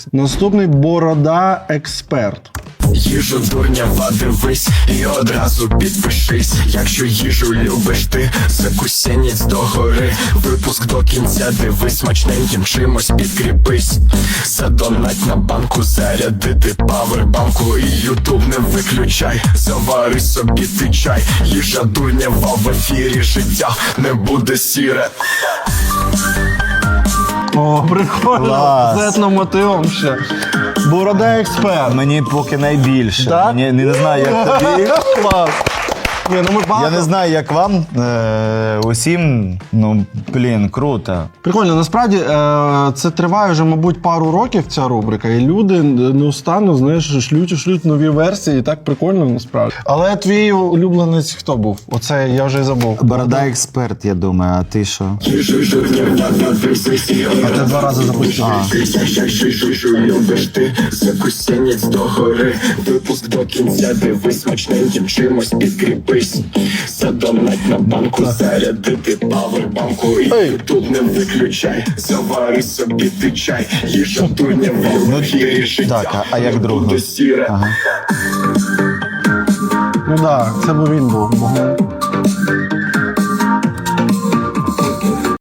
Наступний Борода Експерт. Їжу дурнява дивись і одразу підпишись. Якщо їжу любиш ти, закусенець догори. Випуск до кінця дивись, смачненьким чимось підкріпись. Задонать на банку, зарядити павербанку. І ютуб не виключай, завари собі ти чай. Їжа дурнява в ефірі, життя не буде сіре. О, прикольно, Клас. з етномотивом ще. Борода Експерт. Мені поки найбільше. Так? Мені не знаю, як тобі. Клас. Ні, ну ми багато... Я не знаю, як вам. Усім, ну, блін, круто. Прикольно, насправді це триває вже, мабуть, пару років ця рубрика, і люди неустанно, знаєш, шлють нові версії, і так прикольно насправді. Але твій улюбленець хто був? Оце я вже й забув. Борода експерт, я думаю, а ти що? А ти 2 рази запустив. Їжу любиш ти, закусенець догори. Випуск до кінця дивись, смачненьким чимось підкріпись. Задонать на банку, зарядити павербанку. І ютуб не виключай, завари собі ти чай. Їжа дурнява в ефірі, життя Так, а як друга? буде сіре. Ага. Ну так, це б він був.